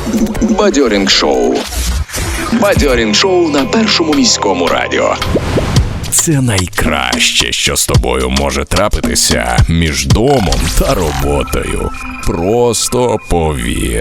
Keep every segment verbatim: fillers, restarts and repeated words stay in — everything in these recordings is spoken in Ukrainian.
Бадьорінг шоу. Бадьорінг шоу на Першому міському радіо. Це найкраще, що з тобою може трапитися між домом та роботою. Просто повір.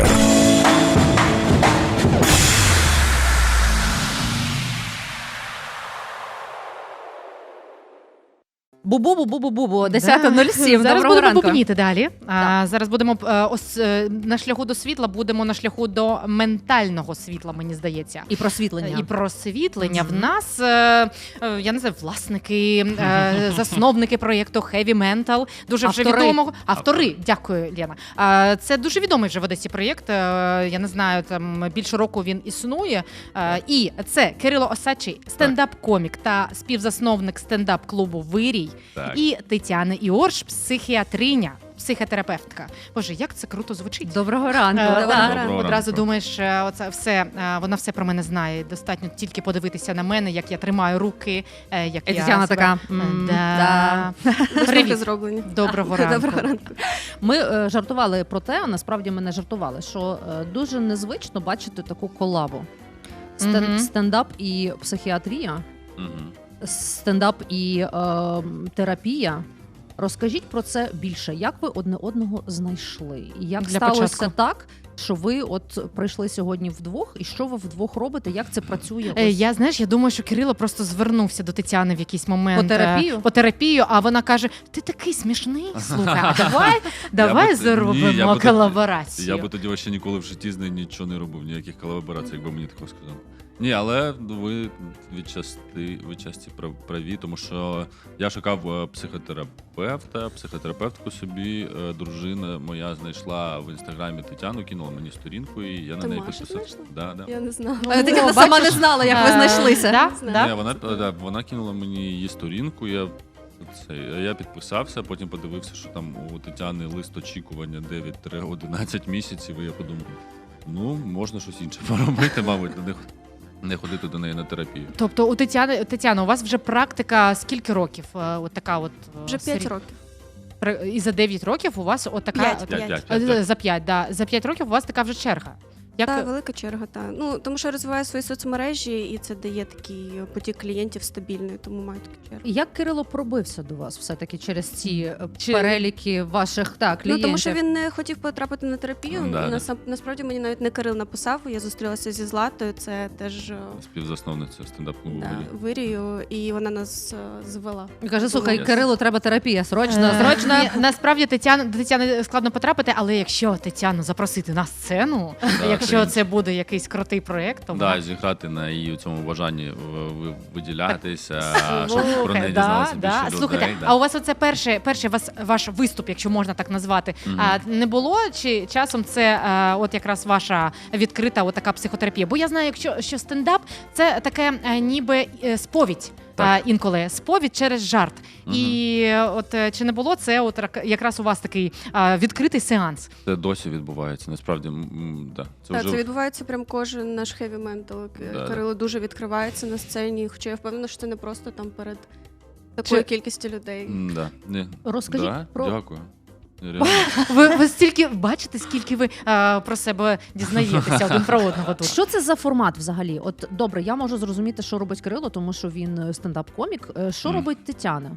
Бу-бу-бу-бу-бу-бу, десята нуль сім. Зараз Доброго будемо ранку. бубніти далі. А, зараз будемо е, ос, е, на шляху до світла, будемо на шляху до ментального світла, мені здається. І просвітлення. І просвітлення. Mm-hmm. В нас, е, е, я не знаю, власники, е, засновники проєкту Heavy Mental, дуже вже Автори. відомого. Автори, дякую, Лена. Е, це дуже відомий вже в Одесі проєкт. Е, я не знаю, там більше року він існує. Е, і це Кирило Осадчий, стендап-комік та співзасновник стендап-клубу «Вирій». Так. І Тетяна Іорш, психіатриня, психотерапевтка. Боже, як це круто звучить. Доброго ранку. Е, Доброго вона ранку. Одразу думаєш, е, оце все, е, вона все про мене знає. Достатньо тільки подивитися на мене, як я тримаю руки, е, як І я Тетяна себе- така, Е, м, да. Висновки Привіт. зроблені. Доброго ранку. Доброго ранку. Ми е, жартували про те, а насправді ми не жартували, що е, дуже незвично бачити таку колабу. Стен- Мгм. Стендап і психіатрія, Мгм. стендап і е, терапія. Розкажіть про це більше. Як ви одне одного знайшли? І як Для сталося початку. так, що ви от прийшли сьогодні вдвох, і що ви вдвох робите? Як це працює? Е, Ось. Я, знаєш, я думаю, що Кирило просто звернувся до Тетяни в якийсь момент. По терапію? е, По терапію, а вона каже, ти такий смішний, слухай, а давай, давай Я би- ні, я зробимо би тоді- колаборацію. Я би тоді ще ніколи в житті з нею нічого не робив, ніяких колаборацій, якби мені такого сказав. Ні, але ви відчасти, відчасті прав- праві, тому що я шукав е, психотерапевта, психотерапевтку собі. Е, Дружина моя знайшла в інстаграмі Тетяну, кинула мені сторінку, і я на Ти неї Машу підписався. знайшла? Да, да. Я не знала. Е, Тетяна О, сама бачиш? не знала, як ви Е, знайшлися. Да? знаю. Да? Ні, вона, да, вона кинула мені її сторінку, я, це, я підписався, потім подивився, що там у Тетяни лист очікування дев'ять-одинадцять місяців, і я подумав, ну, можна щось інше поробити, мабуть, не, не ходити до неї на терапію. Тобто у Тетяни, Тетяна, у вас вже практика скільки років? Е, От така от е, Вже п'ять сері- років. При- І за дев'ять років у вас от така... П'ять, от- П'ять, п'ять. п'ять, Е, п'ять. За п'ять, да. За п'ять років у вас така вже черга. Як... Так, велика черга, так. Ну, тому що я розвиваю свої соцмережі, і це дає такий потік клієнтів стабільний, тому маю таку чергу. Як Кирило пробився до вас все-таки через ці е, Чи- переліки ваших так, Ну, клієнтів? тому що він не хотів потрапити на терапію. Ну, да, Насам- Насправді мені навіть не Кирил написав, я зустрілася зі Златою, це теж е, Співзасновниця стендап-клубу да, «Вирій». вирію, і вона нас е, звела. І каже, слухай, Yes. Кирилу треба терапія, срочно, Е, срочно. ні, насправді Тетяна, до Тетяни складно потрапити, але якщо Тетяну запросити на сцену, Да, якщо це- це буде якийсь крутий проєкт, то Да, вона- зіграти на її цьому бажанні в- в- виділятися, щоб Слухай, про неї да, дізналося да. більше Слухайте, людей. а у вас оце перший, перший вас, ваш виступ, якщо можна так назвати, Мгм. а, не було? Чи часом це а, от якраз ваша відкрита от така психотерапія? Бо я знаю, якщо що стендап це таке а, ніби е, сповідь. А, Так. інколи сповідь через жарт. Мгм. І е, от е, чи не було це от рак- якраз у вас такий а, відкритий сеанс? Це досі відбувається. Насправді, м, м, да. Це Так, вже це відбувається прям кожен наш heavy mental. Да, Кирило дуже відкривається на сцені, хоча я впевнена, що це не просто там перед такою Чи- кількістю людей. М, да. Ні. Розкажіть да? про- Дякую. Реально. Ви, ви стільки бачите, скільки ви а, про себе дізнаєтеся один про одного тут. Що це за формат взагалі? От добре, я можу зрозуміти, що робить Кирило, тому що він е, стендап-комік. Е, Що Мгм. робить Тетяна?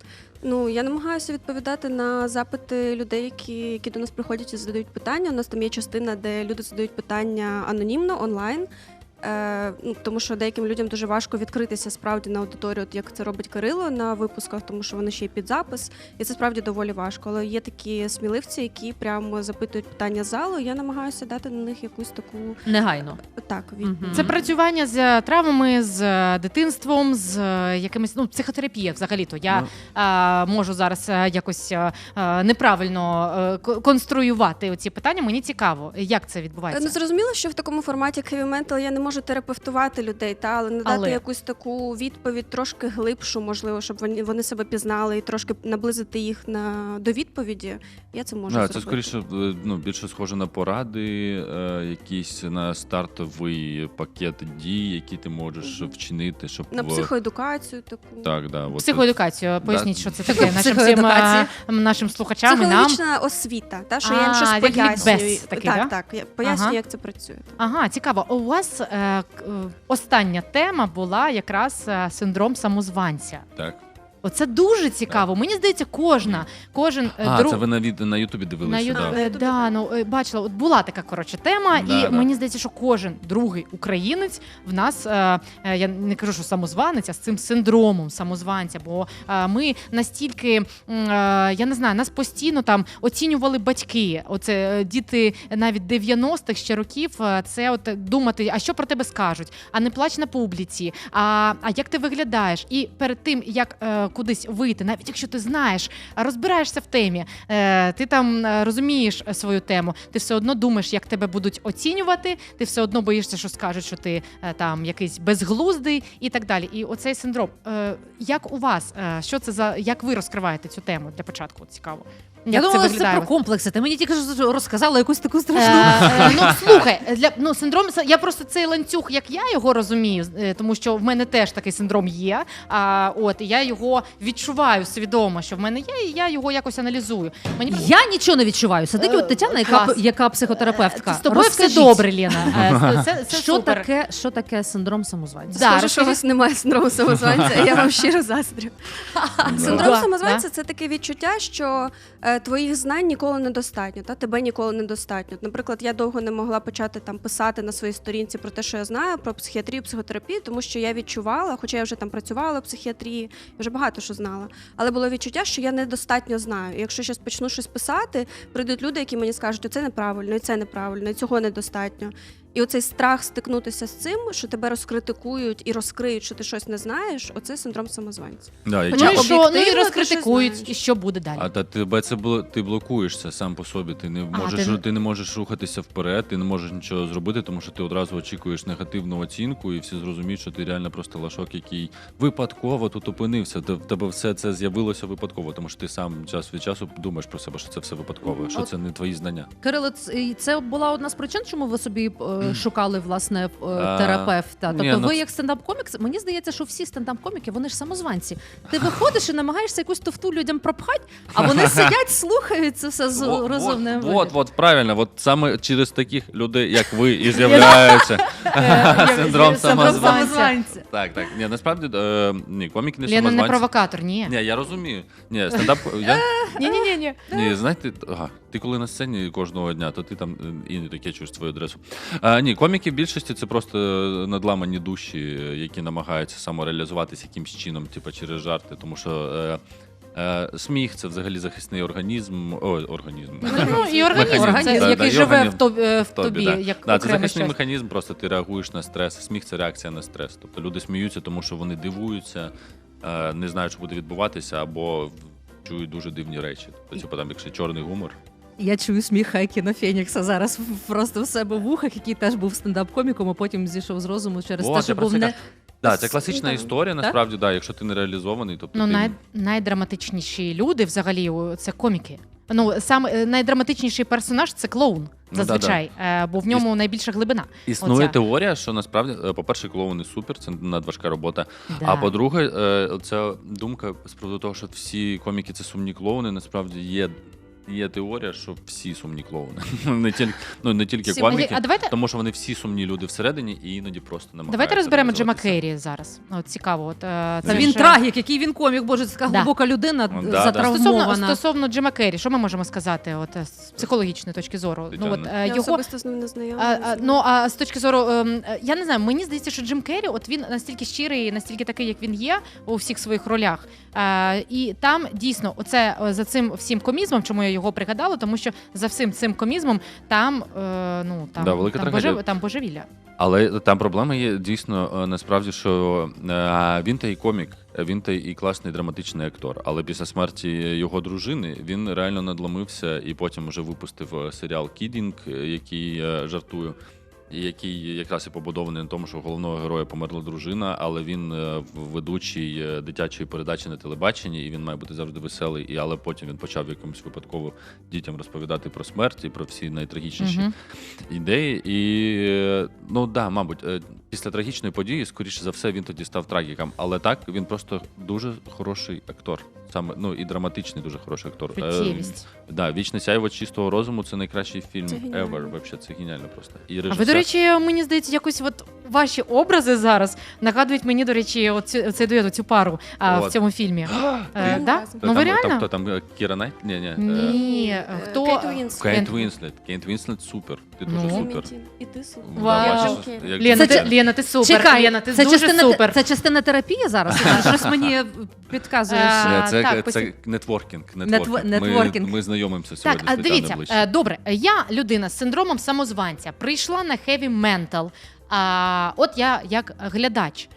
Ну, я намагаюся відповідати на запити людей, які, які до нас приходять і задають питання. У нас там є частина, де люди задають питання анонімно, онлайн. Е, ну, тому що деяким людям дуже важко відкритися справді на аудиторію, от як це робить Кирило на випусках, тому що вони ще й під запис, і це справді доволі важко. Але є такі сміливці, які прямо запитують питання з залу. І я намагаюся дати на них якусь таку Негайно. так від... Мгм. Це працювання з травмами, з е, дитинством, з е, якимись ну психотерапія. Взагалі-то я Ну. е, можу зараз е, якось е, е, неправильно е, ко- конструювати ці питання. Мені цікаво, як це Ну, відбувається. зрозуміло, що в такому форматі як Heavy Mental я не можу терапевтувати людей, та, але надати Але. якусь таку відповідь трошки глибшу, можливо, щоб вони, вони себе пізнали і трошки наблизити їх на, до відповіді, я це можу Да, зробити. це скоріше е, ну, більше схоже на поради, е, якісь на стартовий пакет дій, які ти можеш вчинити, щоб На в- психоедукацію таку. Так, да, от, Психоедукацію, поясніть, Да. що це таке нашим всім Психоедукація. е, нашим слухачам і нам. Психологічна освіта, та, що я їм А, щось як пояснюю. лікбез такий, так, да? так, я пояснюю, Ага. як це працює. так. Ага, цікаво. У вас е, к- е, остання тема була якраз е, синдром самозванця. так. Оце дуже цікаво. Мені здається, кожна, кожен е, А, друг... це ви на, від... на Ютубі На дивилися, ю... да. е, да, ну, е, бачила, от була така коротше тема, Да, і да. мені здається, що кожен другий українець в нас, е, е, я не кажу, що самозванець, а з цим синдромом самозванця. Бо е, ми настільки, м, е, я не знаю, нас постійно там оцінювали батьки. Оце е, діти навіть дев'яностих ще років. е, Це от думати, а що про тебе скажуть, а не плач на публіці, а, а як ти виглядаєш? І перед тим, як е, кудись вийти, навіть якщо ти знаєш, розбираєшся в темі, е, ти там е, розумієш е, свою тему, ти все одно думаєш, як тебе будуть оцінювати, ти все одно боїшся, що скажуть, що ти е, там якийсь безглуздий і так далі. І оцей синдром. Е, як у вас? Е, що це за як ви розкриваєте цю тему для початку? От цікаво. Як Я це думала, це виглядає? про комплекси. Ти мені тільки що розказала якусь таку страшну. Е, е, ну слухай, для ну синдром я просто цей ланцюг, як я його розумію, е, тому що в мене теж такий синдром є. А от і я його відчуваю свідомо, що в мене є, і я його якось аналізую. Мені Я нічого не відчуваю. Сидить Е, от Тетяна, яка, клас. яка психотерапевтка. з тобою Розкажіть, все добре, Лена. Е, Це, це, це Що супер. таке, що таке синдром самозванця? Да, Скажу, що у розкажи. вас немає синдрому самозванця, і я вам щиро заздрю. Синдром Да, самозванця це таке відчуття, що е, твоїх знань ніколи недостатньо, та тебе ніколи недостатньо. Наприклад, я довго не могла почати там писати на своїй сторінці про те, що я знаю про психіатрію, психотерапію, тому що я відчувала, хоча я вже там працювала в психіатрії, вже багато що знала, але було відчуття, що я недостатньо знаю. І якщо зараз почну щось писати, прийдуть люди, які мені скажуть, оце неправильно, і це неправильно, і цього недостатньо. І оцей страх стикнутися з цим, що тебе розкритикують і розкриють, що ти щось не знаєш, оце синдром самозванця. Да, і Ну ча- і що? Ну і об'єктивно ти розкритикують, щось і що буде далі? А та тебе це було, ти блокуєшся сам по собі. Ти не А, можеш, ти- ти... не можеш рухатися вперед, ти не можеш нічого зробити, тому що ти одразу очікуєш негативну оцінку, і всі зрозуміють, що ти реально просто лашок, який випадково тут опинився. Те- В тебе все це з'явилося випадково, тому що ти сам час від часу думаєш про себе, що це все випадково, що От- це не твої знання. Кирило, ц- це була одна з причин, чому ви собі е, шукали власне е, А, терапевта. Тобто, ні, ну, ви це- як стендап-комік, мені здається, що всі стендап-коміки, вони ж самозванці. Ти виходиш і намагаєшся якусь тофту людям пропхати, а вони сидять, слухають це все з От, розумним. от, от, от, правильно, от саме через таких людей, як ви, і з'являється синдром самозванця. Так, так. Ні, насправді, е, ні, коміки не Лена не самозванці. провокатор, ні. Ні, я розумію. Ні, стендап. Я... Ні, ні, ні, ні. Ні, знаєте, ага, ти коли на сцені кожного дня, то ти там е, і не таке чуєш твою адресу. А, ні, коміки в більшості це просто надламані душі, які намагаються самореалізуватися якимсь чином, типу через жарти, тому що. Е, Е, сміх це взагалі захисний організм. Ой, організм. Ну і організм, Механізм, це, да, який да, живе організм. в тобі, в В тобі, тобі да. як Да, це окреме захисний щось. механізм, просто ти реагуєш на стрес. Сміх це реакція на стрес. Тобто люди сміються, тому що вони дивуються, е, не знають, що буде відбуватися, або чують дуже дивні речі. Тобто, типу, там, якщо чорний гумор. Я чую сміх Хайкіна Фенікса зараз просто в себе в вухах, який теж був стендап-коміком, а потім зійшов з розуму через О, те, це що про був це не. ка- Да, це класична Так? історія, насправді, да, якщо ти не реалізований, тобто Ну, ти... най, найдраматичніші люди взагалі о, це коміки. Ну, саме е, найдраматичніший персонаж це клоун, Ну, зазвичай, е, бо в ньому найбільша глибина. Існує Оця. теорія, що насправді, е, по-перше, клоуни супер, це надважка робота. Да. А по-друге, е, ця думка з приводу того, що всі коміки це сумні клоуни, насправді є. Є теорія, що всі сумні клоуни. не, тільки, ну, не тільки Всі- коміки, А давайте, тому що вони всі сумні люди всередині і іноді просто намагаються. давайте розберемо Джима реалізуватися. Кейрі зараз. От, цікаво. От, е, Та це він ж- трагік, який він комік, боже, це така Да. глибока людина, Ну, да, да. затравмована. Стосовно, стосовно Джима Керрі, що ми можемо сказати от, е, з психологічної точки зору? Ну, от, Тетяна. е, Я його, особисто з ним не знайома. А, не а, знаю. ну а з точки зору, ем, е, я не знаю, мені здається, що Джим Керрі, от він настільки щирий, настільки такий, як він є у всіх своїх ролях. Е, і там дійсно, оце е, за цим всім комізмом, чому я його пригадала, тому що за всім цим комізмом там, е, ну там, Да, велика там, трагедія. божев- там божевілля. Але там проблема є дійсно е, насправді, що е, він та й комік, він та і класний драматичний актор. Але після смерті його дружини він реально надломився і потім вже випустив е, серіал Кідінг, е, який е, жартую. який якраз і побудований на тому, що у головного героя померла дружина, але він е, ведучий е, дитячої передачі на телебаченні, і він має бути завжди веселий. І але потім він почав якомусь випадково дітям розповідати про смерть і про всі найтрагічніші Мгм. ідеї. І е, ну да, мабуть, е, після трагічної події, скоріше за все, він тоді став трагіком. Але так, він просто дуже хороший актор. Саме ну і драматичний, дуже хороший актор. Е, Чуттєвість. да, Вічне сяйво чистого розуму це найкращий фільм Це геніально. ever. Вообще, це геніально просто. І А ви, режисер... до речі, мені здається, якось от ваші образи зараз нагадують мені, до речі, оцю, цей дует, цю пару а, в От. цьому фільмі. Е, Ти- да? Хто Ну ви там, реально? Там, хто там? е, Кіра Найт? Ні, ні. е, Ні, Е, хто? Кейт Уінслет. Кейт Кен- Вінслет. Кейт Вінслет супер. Ти Ну. дуже І супер. Мінті. І ти супер. Да, Вау. бачиш, Окей. як- Лена, Це- ти, Лена, ти супер. Чекай, Лена, ти це дуже частина, супер. це частина терапії зараз? Щось мені підказуєш. А, Е, Це, так, це посі- нетворкінг. Нетво- нетворкінг. Ми, нетворкінг. ми знайомимося Так, сьогодні а з Тетяною дивіться, ближче. е, добре, я людина з синдромом самозванця, прийшла на heavy mental, а от я як глядач.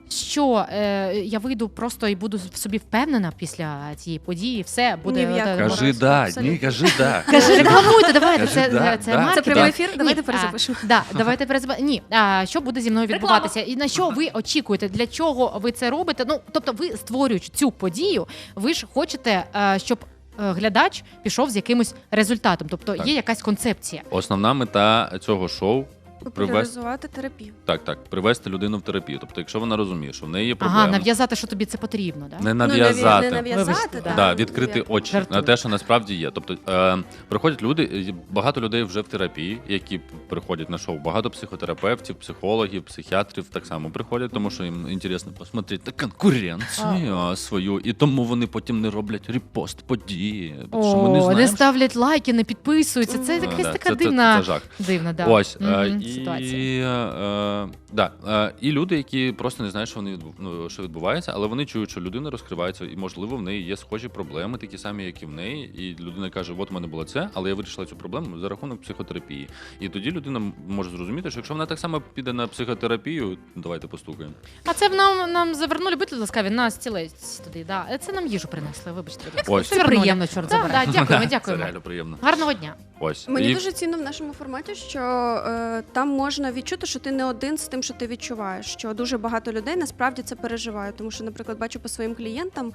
Що е, я вийду просто і буду в собі впевнена після цієї події, все буде. Ні в якому е, разі. Кажи да, Абсолютно. ні, кажи да. Кажи, рекламуйте, давайте. Кажи, Це, да, це, да. це Це маркетинг. Це прямий ефір, Ні, давайте а, перезапишемо. Да, давайте перезапишемо. Ні, а що буде зі мною відбуватися? І на що ви очікуєте? Для чого ви це робите? Ну, тобто, ви створюючи цю подію, ви ж хочете, е, щоб е, глядач пішов з якимось результатом. Тобто Так. є якась концепція. Основна мета цього шоу привести, Популяризувати терапію. так, так, привести людину в терапію. Тобто, якщо вона розуміє, що в неї є Ага, проблеми, нав'язати, що тобі це потрібно, да? не Ну, нав'я- нав'язати. Не нав'язати, Вибачте, так. Да, відкрити очі Жартую. на те, що насправді є. Тобто е, приходять люди, і багато людей вже в терапії, які приходять на шоу. Багато психотерапевтів, психологів, психіатрів так само приходять, тому що їм інтересно посмотрети конкуренцію свою, і тому вони потім не роблять репост події. Тому що ми не О, знаємо, не ставлять лайки, не підписуються. Це Мгм. якась Да, така це- це- дивна, це жах. дивна да. Ось Мгм, е, і, ситуація. е, да, е, і люди, які просто не знають, що вони відбу- ну, що відбувається, але вони чують, що людина розкривається, і можливо в неї є схожі проблеми, такі самі, як і в неї. І людина каже: от у мене було це, але я вирішила цю проблему за рахунок психотерапії. І тоді людина м- може зрозуміти, що якщо вона так само піде на психотерапію, давайте постукаємо. А це в нам, нам завернули, будьте ласкаві, на стілець туди. Да. Це нам їжу принесли, вибачте. будь ласка. Ось. Це Вернули. приємно, чорт Да, забирай. да, дякуємо, Це дякуємо. реально приємно. Гарного дня. Ось Мені і дуже цінно в нашому форматі, що е, там можна відчути, що ти не один з тим, що ти відчуваєш. Що дуже багато людей насправді це переживають. Тому що, наприклад, бачу по своїм клієнтам,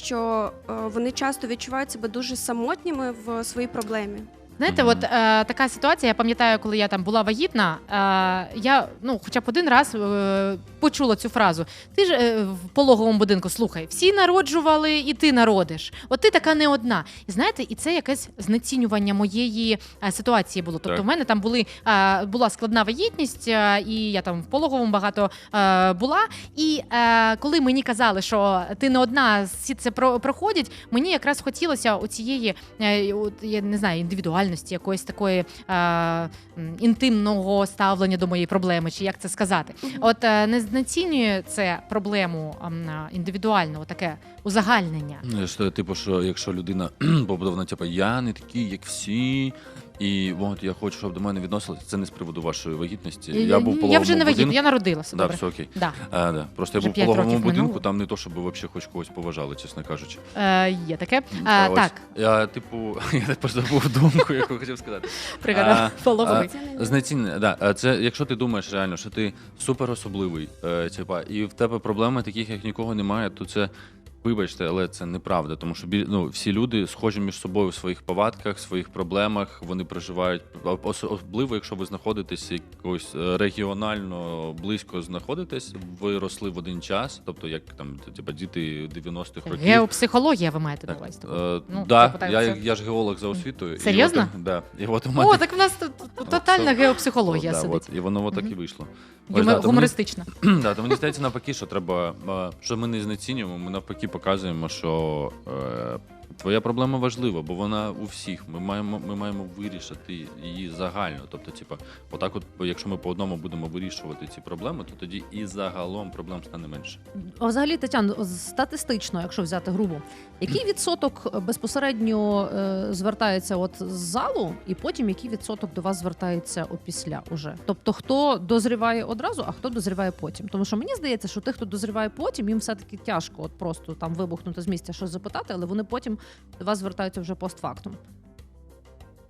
що е, вони часто відчувають себе дуже самотніми в своїй проблемі. Знаєте, Мгм. от е, така ситуація, я пам'ятаю, коли я там була вагітна, е, я ну, хоча б один раз е, почула цю фразу. Ти ж е, в пологовому будинку, слухай, всі народжували, і ти народиш. От ти така не одна. І знаєте, і це якесь знецінювання моєї е, ситуації було. Тобто Так. в мене там були, е, була складна вагітність, е, і я там в пологовому багато е, була. І е, коли мені казали, що ти не одна, всі це про- проходять, мені якраз хотілося оцієї, е, от, я не знаю, індивідуальності, якоїсь такої е, м, інтимного ставлення до моєї проблеми, чи як це сказати. От е, не знецінює це проблему ем, е, індивідуально, таке узагальнення. Ну, що, типу, що якщо людина побудована, типу, я не такий, як всі, і от я хочу, щоб до мене відносилися. Це не з приводу вашої вагітності. Я, був в я пологовому вже не вагітна, будинку. я народилася. Да, Добре. все окей. Да. А, да. Просто Вже я був в п'ять пологовому років будинку, минуло. там не то, щоб взагалі хоч когось поважали, чесно кажучи. Е, є таке. А, Е, ось. так, Я, типу, я просто забув думку, яку хотів сказати. пригадав А, пологовий. а, Знецінення, да. А Це якщо ти думаєш реально, що ти супер особливий, е, типа, і в тебе проблеми таких, як нікого немає, то це. Вибачте, але це неправда, тому що біль- ну, всі люди схожі між собою в своїх повадках, в своїх проблемах. Вони проживають ос- особливо, якщо ви знаходитесь якось е, регіонально близько знаходитесь, ви росли в один час, тобто як там типа діти дев'яностих років. Геопсихологія ви маєте на Так, увазі? е, Ну, да, тобто, я, це- я ж геолог за освітою. і Серйозно? от, да, і от у мене О, так в нас тут тотальна От, геопсихологія да, сидить. от, і воно отак Мгм. і вийшло. Юмор- Ось, да, то мені- гумористична. Да, то мені здається навпаки, що треба, е, що ми не знецінюємо, ми навпаки показуємо, що е, твоя проблема важлива, бо вона у всіх. Ми маємо, ми маємо вирішити її загально. Тобто, типа, отак, от, якщо ми по одному будемо вирішувати ці проблеми, то тоді і загалом проблем стане менше. А взагалі, Тетяно, статистично, якщо взяти грубо, який відсоток безпосередньо е, звертається от з залу, і потім який відсоток до вас звертається опісля уже? Тобто, хто дозріває одразу, а хто дозріває потім? Тому що мені здається, що тих, хто дозріває потім, їм все-таки тяжко от просто там вибухнути з місця щось запитати, але вони потім до вас звертаються вже постфактум.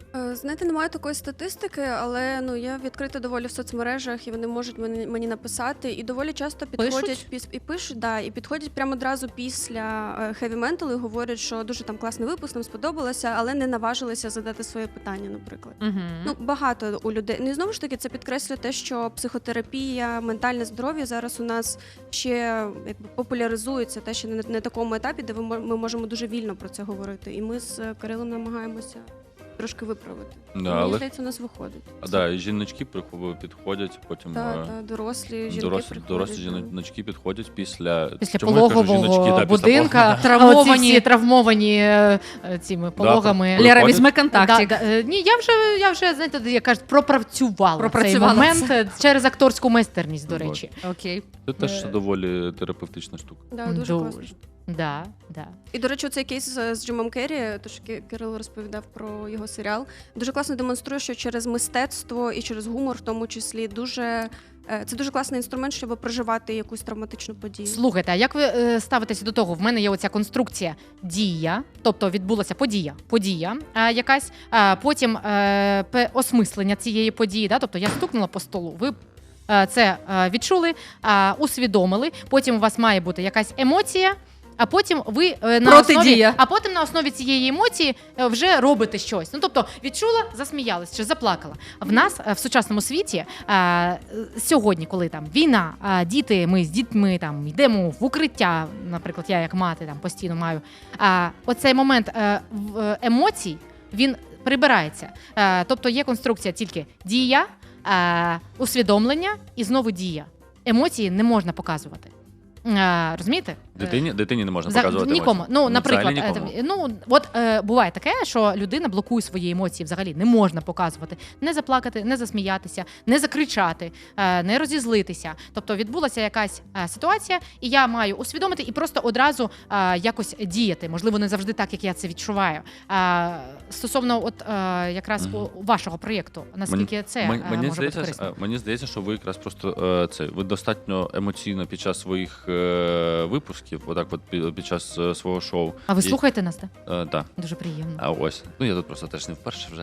Е, Знаєте, немає такої статистики, але ну я відкрита доволі в соцмережах, і вони можуть мені, мені написати. І доволі часто підходять Пишуть? піс, і пишуть, да, і підходять прямо одразу після Heavy Mental і говорять, що дуже там класний випуск, нам сподобалося, але не наважилися задати своє питання, наприклад. Угу. Ну, багато у людей. Ну і знову ж таки, це підкреслює те, що психотерапія, ментальне здоров'я зараз у нас ще якби популяризується, те, що не на такому етапі, де ви мо- ми можемо дуже вільно про це говорити. І ми з Кирилом намагаємося трошки виправити. Да, Мені але здається, у нас виходить. а, да, і жіночки прихов- підходять, потім Та, е, та, дорослі жінки дорослі, приходять. дорослі да. жіночки підходять після Після чому я кажу пологового жіночки, да, після будинка, пологового, травмовані, Оці всі- травмовані е, е, цими пологами. Приходять. Лера, візьми контактик. Да, да, е, ні, я вже, я вже, знаєте, як кажуть, пропрацювала, Пропрацювала цей момент е, через акторську майстерність, до Вот. речі. Окей. Це теж Е, доволі терапевтична штука. Да, дуже класно. Да, да. І, до речі, цей кейс з, з Джимом Керрі, то що Ки- Кирило розповідав про його серіал, дуже класно демонструє, що через мистецтво і через гумор, в тому числі, дуже е, це дуже класний інструмент, щоб проживати якусь травматичну подію. Слухайте, а як ви е, ставитеся до того? В мене є оця конструкція дія, тобто відбулася подія, подія е, якась, е, потім е, пе- осмислення цієї події, да? Тобто я стукнула по столу, ви е, це е, відчули, е, усвідомили, потім у вас має бути якась емоція. А потім ви е, на основі, Протидія. а потім на основі цієї емоції е, вже робите щось. Ну тобто відчула, засміялась чи заплакала. В нас е, в сучасному світі е, сьогодні, коли там війна, е, діти, ми з дітьми там йдемо в укриття. Наприклад, я як мати там постійно маю. А оцей момент е, в- е, емоцій він прибирається. Е, тобто є конструкція тільки дія, е, усвідомлення і знову дія. Емоції не можна показувати. Е, розумієте? Дитині, дитині не можна За- показувати нікому. емоції. Ну, наприклад, взагалі е, нікому. там, ну от е, буває таке, що людина блокує свої емоції. Взагалі не можна показувати, не заплакати, не засміятися, не закричати, е, не розізлитися. Тобто відбулася якась е, ситуація, і я маю усвідомити і просто одразу е, якось діяти. Можливо, не завжди так, як я це відчуваю. Е, стосовно, от е, якраз Мгм. у- вашого проєкту, наскільки це Мені, е, мені може бути здається, корисно? е, мені здається, що ви якраз просто е, це ви достатньо емоційно під час своїх е, випусків, отак, от під, під час е, свого шоу. А ви І- слухаєте нас? Так? Е, да. Дуже приємно. А ось. Ну я тут просто теж не вперше вже.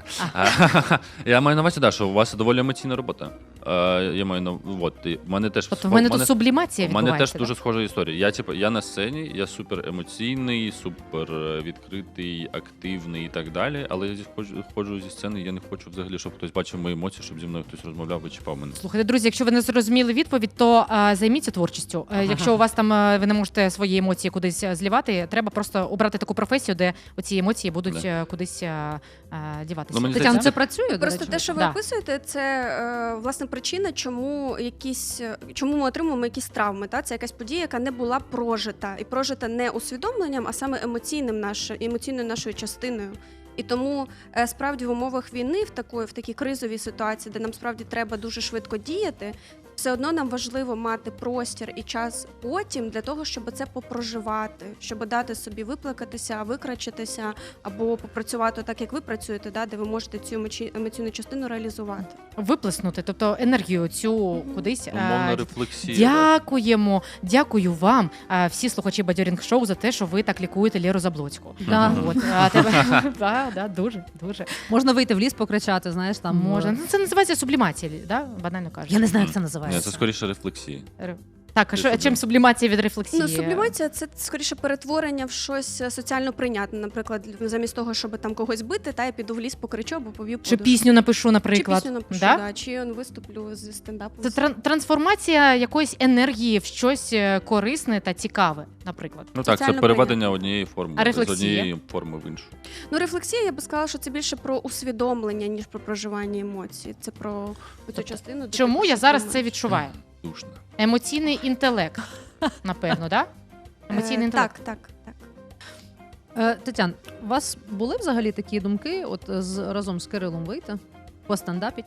А. Я маю на увазі, да, що у вас доволі емоційна робота. Е, я маю на от, і в мене теж Тобто в мене в тут сублімація У мене відбувається. теж дуже схожа історія. Я типу, я на сцені, я супер емоційний, супер е, відкритий, активний і так далі. Але я зі- ходжу, ходжу зі сцени, я не хочу взагалі, щоб хтось бачив мої емоції, щоб зі мною хтось розмовляв і чіпав мене. Слухайте, друзі, якщо ви не зрозуміли відповідь, то а, займіться творчістю. Е, Якщо у вас там е, ви не можете свої емоції кудись е, злівати, треба просто обрати таку професію, де оці емоції будуть Да. е, кудись е, е, діватися. Ну, мені Тетяна, здається, це працює? до Просто речі? те, що ви Да. описуєте, це е, власне причина, чому якісь чому ми отримуємо якісь травми. Та це якась подія, яка не була прожита, і прожита не усвідомленням, а саме емоційним наш, емоційною нашою частиною. І тому е, справді в умовах війни, в такої в такій кризовій ситуації, де нам справді треба дуже швидко діяти, все одно нам важливо мати простір і час потім для того, щоб це попроживати, щоб дати собі виплакатися, викрачитися або попрацювати так, як ви працюєте, да, де ви можете цю емоці- емоційну частину реалізувати. Виплеснути, тобто енергію цю Мгм. кудись. е, Умовна рефлексія. Дякуємо, дякую вам, е, всі слухачі Бадьорінг Шоу, за те, що ви так лікуєте Леру Заблоцьку. Да. От, а тебе, да, да, дуже, дуже. Можна вийти в ліс, покричати, знаєш, там Можна. е, Ну, це називається сублімація, да? Банально кажучи. Я не знаю, як це Ні, називається. це скоріше рефлексія. Ре- Так, а Це що, сублім- чим сублімація від рефлексії? Ну, сублімація це скоріше перетворення в щось соціально прийнятне. Наприклад, замість того, щоб там когось бити, та я піду в ліс, покричу або повів Чи подушку. пісню напишу, наприклад. Чи пісню напишу, да? да? Чи он виступлю зі стендапом. Це тран- трансформація якоїсь енергії в щось е, корисне та цікаве, наприклад. Ну так, це Соціально переведення прийнятно. однієї форми А з рефлексія? однієї форми в іншу. Ну, рефлексія, я би сказала, що це більше про усвідомлення, ніж про проживання емоцій. Це про цю частину. де Чому ти я зараз це думаєш. відчуваю? Душно. Емоційний інтелект, напевно, так? Да? Емоційний Е, інтелект. Так, так, так. Е, Тетян, у вас були взагалі такі думки, от з разом з Кирилом вийти, постендапіть?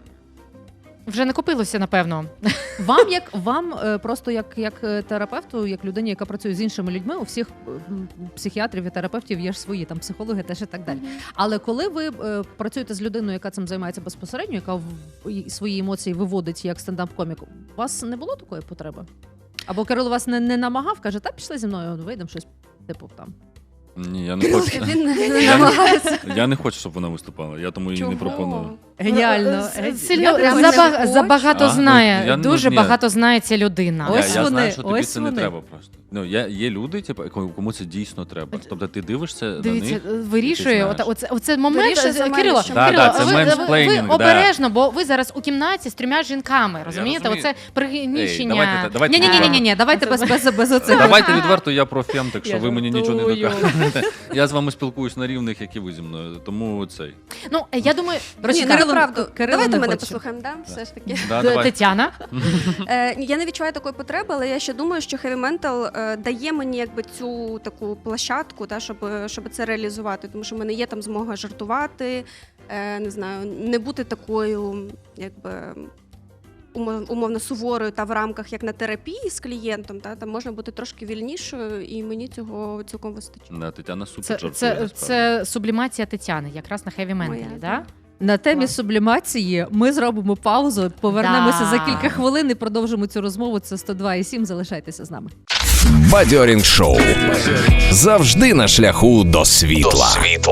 Вже не купилося, напевно. Вам як вам е, просто як, як е, терапевту, як людині, яка працює з іншими людьми, у всіх е, м, психіатрів і терапевтів є ж свої там психологи, теж і так далі. Але коли ви е, працюєте з людиною, яка цим займається безпосередньо, яка в, і свої емоції виводить як стендап-комік, у вас не було такої потреби? Або Кирило вас не, не намагав, каже, та пішли зі мною, вийдемо щось типу там. Ні, я не хочу. Він не Я намагається. не, я не хочу, щоб вона виступала, я тому її не пропоную. Геніально. С- Ге- Сильно Я думаю, заба- не хочу. забагато А, ну, знає. я не- Дуже ні. багато знає ця людина. Я, Ось я вони, знаю, що тобі ось це не вони. треба просто. Ну, я, є люди, типу, кому кому це дійсно треба. Тобто ти дивишся Дивіться, на них. вирішує ти оце, знаєш. оце, оце момент. Вирішує за мене, Кирило, що- Да, Кирило, да, це ви, ви, ви мейнсплейнінг, да. обережно, бо ви зараз у кімнаті з трьома жінками, розумієте? розумію. Оце пригнічення. Ей, давайте, давайте Ні, ні, ні, ні, ні, давайте без без без оцих. Давайте відверто, я про фем, так що Я ви мені нічого не жартую. докажете. Я з вами спілкуюсь на рівних, як і ви зі мною. Тому цей. Ну, я думаю, Ні, Кирило- ну правду. Кирило Давайте не мене хоче. послухаємо, да? Все ж таки. Да, Т- давай. Тетяна. Е, я не відчуваю такої потреби, але я ще думаю, що Heavy Mental е, дає мені якби цю таку площадку, та, щоб, щоб це реалізувати. Тому що в мене є там змога жартувати, е, не знаю, не бути такою, якби. умо- Умовно суворою та в рамках як на терапії з клієнтом, та там можна бути трошки вільнішою, і мені цього цілком вистачить. Да, Тетяна супер Це, жартує, це, насправді. це сублімація Тетяни, якраз на Heavy Моя, Mental, да? да. На темі Клас. сублімації ми зробимо паузу, повернемося Да. за кілька хвилин і продовжимо цю розмову. Це сто два і сім. Залишайтеся з нами. Бадьорінг шоу. Завжди на шляху до світла.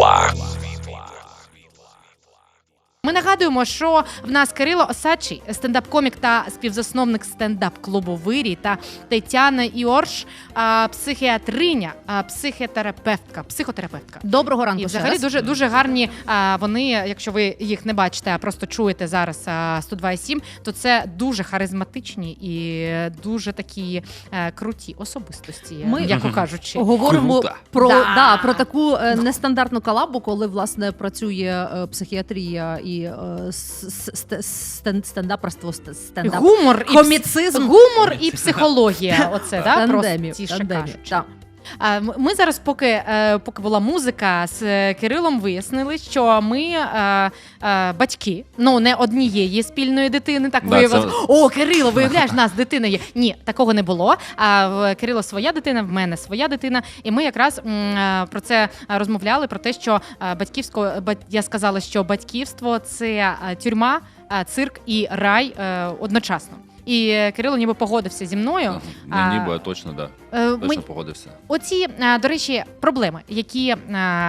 Ми нагадуємо, що в нас Кирило Осадчий, стендап-комік та співзасновник стендап-клубу «Вирій» та Тетяна Іорш, а, психіатриня, а, психотерапевтка, психотерапевтка. Доброго ранку. І ще взагалі раз. дуже дуже гарні. А, вони, якщо ви їх не бачите, а просто чуєте зараз а, сто два і сім, то це дуже харизматичні і дуже такі е, круті особистості, Ми- м'яко кажучи. Говоримо Круто. про, Да. да, про таку е, нестандартну колабу, коли власне працює е, психіатрія і е, с- с- стен- стендаперство, ст- стендап. Гумор і Коміцизм. гумор і психологія. Оце да Тандемів, простіше тандемів, кажучи. так. А, м- Ми зараз, поки, е, поки була музика, з е, Кирилом вияснили, що ми е, е, батьки, ну не однієї спільної дитини, так Да, виявилось. це- О, Кирило, виявляєш, в нас дитина є. Ні, такого не було. А в Кирило своя дитина, в мене своя дитина. І ми якраз м, е, про це розмовляли, про те, що е, батьківсько, бать- я сказала, що батьківство це е, тюрма, е, цирк і рай е, одночасно. І е, Кирило ніби погодився зі мною. Не А, ніби, а точно, да. Е, Точно ми- погодився. Оці, е, до речі, проблеми, які, е,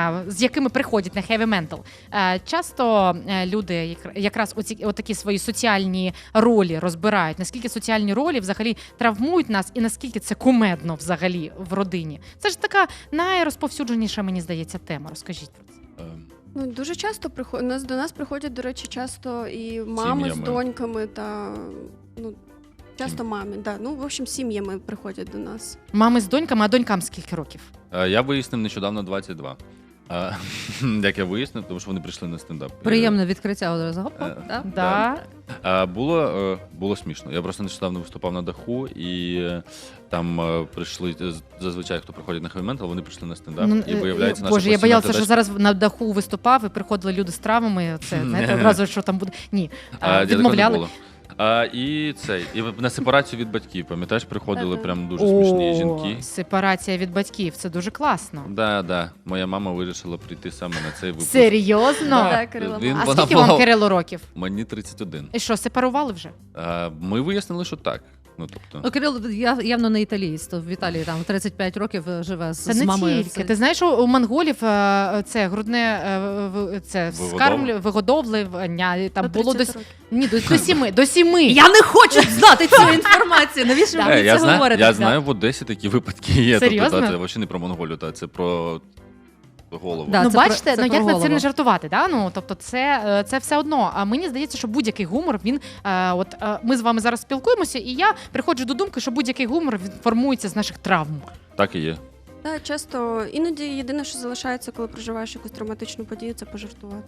з якими приходять на Heavy Mental. Е, Часто е, люди як- якраз оці, отакі свої соціальні ролі розбирають, наскільки соціальні ролі взагалі травмують нас і наскільки це кумедно взагалі в родині. Це ж така найрозповсюдженіша, мені здається, тема. Розкажіть про це. Ем, Ну, дуже часто приходять, нас до нас приходять, до речі, часто і мами з Сім'ями. доньками та ну часто мамі. Да. Ну, в общем, сім'ями приходять до нас. Мами з доньками, а донькам скільки років? е, Я вияснив нещодавно двадцять два. Е, Як я вияснив, тому що вони прийшли на стендап. Приємне відкриття одразу. Гоп, Е, да? Да. Е, Було, е, було смішно. Я просто нещодавно виступав на даху, і е, там е, прийшли е, зазвичай, хто приходить на Heavy Mental, вони прийшли на стендап. Ну, І е, виявляється, е, наша Боже, я постійна боялася, задача- що зараз на даху виступав і приходили люди з травмами. Це знаєте, одразу що там буде. Ні, А, а, я такого не відмовляли. було. А, і цей, і на сепарацію від батьків, пам'ятаєш, приходили Ага. прям дуже смішні О, жінки. Сепарація від батьків, це дуже класно. Да, да. Моя мама вирішила прийти саме на цей випуск. Серйозно? Да, Кирило. Він- А вона скільки вам була- Кирило років? Мені тридцять один. І що, сепарували вже? А, ми вияснили, що так. Ну, тобто, Ну, Кирило я, явно не італієць, то в Італії там тридцять п'ять років е, живе з, Це з не мамою. тільки. Ти знаєш, у у монголів е, це грудне е, в- це Вигодов- скармлю, вигодовлення, там До було до, тридцяти с- років. ні, до, до сіми, до сіми. Я не хочу знати цю інформацію. Навіщо ви Да. мені Е, я, це знаю, говорите? я знаю, в Одесі такі випадки є. Серйозно? Тобто, та, це взагалі не про Монголію, та, це про голову. Да. Ну, це про- бачите, це ну про як на це голову. не жартувати, да? Ну тобто, це, е, це все одно. А мені здається, що будь-який гумор він е, от е, ми з вами зараз спілкуємося, і я приходжу до думки, що будь-який гумор він формується з наших травм. Так і є. Да, часто іноді єдине, що залишається, коли проживаєш якусь травматичну подію, це пожартувати.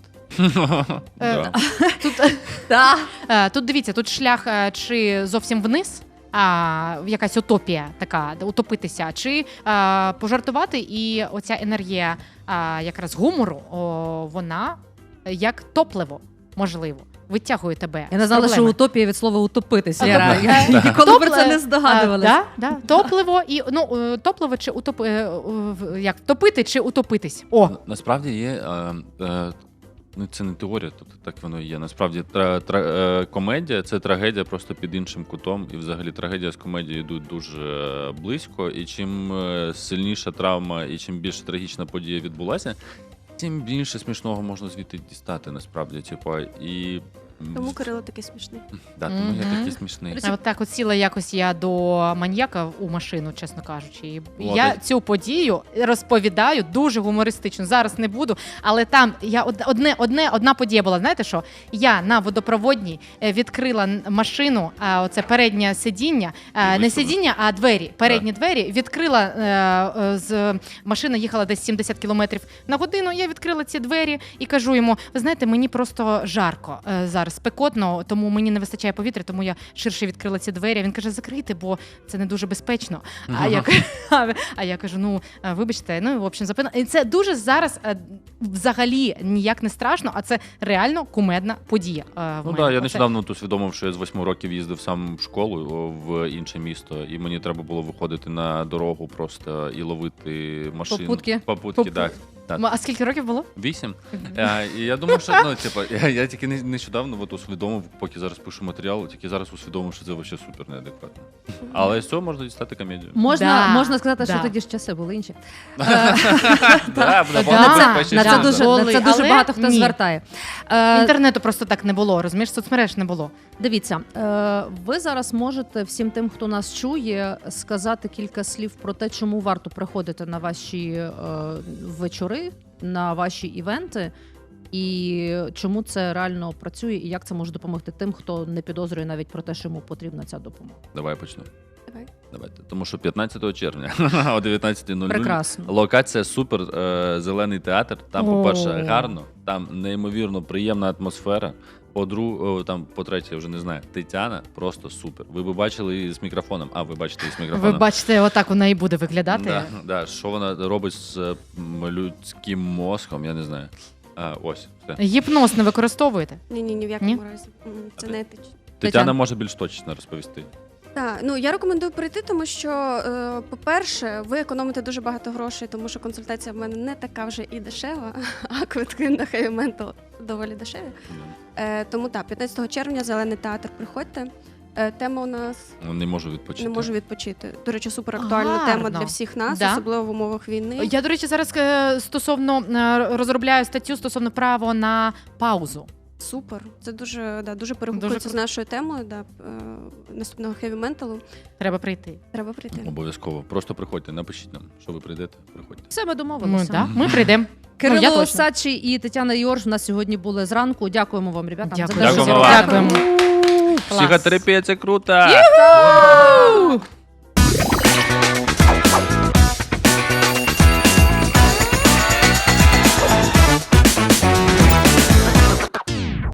Да. Тут, Да. е, тут дивіться, тут шлях е, чи зовсім вниз. А, якась утопія така, де утопитися, чи а, пожартувати, і оця енергія а, якраз гумору, о, вона як топливо, можливо, витягує тебе. Я не з знала, що проблеми. утопія від слова утопитися. А, Я, тобто, я е, ніколи про це топле- не здогадувалася. А, да, да. Топливо і ну е, топливо чи утоп... е, в- як втопити чи утопитись. О, Насправді є е, е, Ну, це не теорія, тобто так воно і є. Насправді тра, тра, е, комедія це трагедія просто під іншим кутом. І взагалі трагедія з комедією йдуть дуже е, близько. І чим е, сильніша травма і чим більше трагічна подія відбулася, тим більше смішного можна звідти дістати, насправді. Типу, і... Тому Кирило такий смішний. Да, тому я Мгм. такий смішний. А от так от сіла якось я до маньяка у машину, чесно кажучи. І О, я так. цю подію розповідаю дуже гумористично. Зараз не буду, але там я од- одне, одне, одна подія була. Знаєте що? Я на водопроводній е, відкрила н- машину, а оце переднє сидіння, е, не вийшла. сидіння, а двері. Передні двері відкрила е, е, з машина їхала десь сімдесят кілометрів на годину. Я відкрила ці двері і кажу йому: ви знаєте, мені просто жарко е, зараз, спекотно, тому мені не вистачає повітря, тому я ширше відкрила ці двері. Він каже: закрийте, бо це не дуже безпечно. А я кажу, а я кажу: ну е, вибачте, ну в общем, запина. І це дуже зараз е, взагалі ніяк не страшно, а це реально кумедна подія. е, в Ну мене. так, я Оце- нещодавно тут усвідомив, що я з восьми років їздив сам в школу о, в інше місто, і мені треба було виходити на дорогу просто і ловити машину. Попутки. Попутки, Попу- так. так. М, А скільки років було? Вісім. Е, І я думав, що ну, типу, я, я тільки не- нещодавно от усвідомив, поки зараз пишу матеріал, тільки зараз усвідомив, що це взагалі супер неадекватно. Але з цього можна дістати комедію. Можна, Да, можна сказати, що да. тоді ж часи були інші. Да, Да. набагато На На безпечніше це Да. буде. дуже, Були, на це дуже але багато хто ні. звертає. Е, Інтернету просто так не було, розумієш, соцмереж не було. Дивіться, е, ви зараз можете всім тим, хто нас чує, сказати кілька слів про те, чому варто приходити на ваші е, вечори, на ваші івенти, і чому це реально працює, і як це може допомогти тим, хто не підозрює навіть про те, що йому потрібна ця допомога. Давай почнемо. Давай. Давайте. Тому що п'ятнадцятого червня о дев'ятнадцятій нуль нуль Прекрасно. локація супер, е, зелений театр. Там, О. по-перше, гарно, там неймовірно приємна атмосфера. По-друге, там, по-третє, я вже не знаю, Тетяна просто супер. Ви б бачили її з мікрофоном. А, ви бачите її з Ви мікрофоном. бачите, отак вона і буде виглядати. Да, да, що вона робить з е, м, людським мозком, я не знаю. А, ось, все. Гіпноз не використовуєте? Ні, ні, ні в якому разі. М, Це А не ти- етично. Тетяна Тетяна. може більш точно розповісти. Так, ну я рекомендую прийти, тому що, е, по-перше, ви економите дуже багато грошей, тому що консультація в мене не така вже і дешева, а квитки на Heavy Mental доволі дешеві. Е, тому так, п'ятнадцятого червня зелений театр. Приходьте. Е, тема у нас Ну, Не можу відпочити. не можу відпочити. До речі, супер актуальна Гарно. тема для всіх нас, Да. особливо в умовах війни. Я, до речі, зараз е, стосовно е, розробляю статтю стосовно право на паузу. Супер. Це дуже, да, дуже перегукується Дуже з нашою темою. Да, е, наступного Heavy Mental. Треба прийти. Треба прийти. Обов'язково. Просто приходьте, напишіть нам, що ви прийдете, приходьте. Все, ми Ми, домовилися. да, ми прийдемо. Кирило Ну, я точно. Сачі і Тетяна Йорж у нас сьогодні були зранку. Дякуємо вам, ребята. Дякую. за те, що Дякуємо ви вам. робите. Дякуємо. Клас. Психотерапія – це круто! Ю-ху!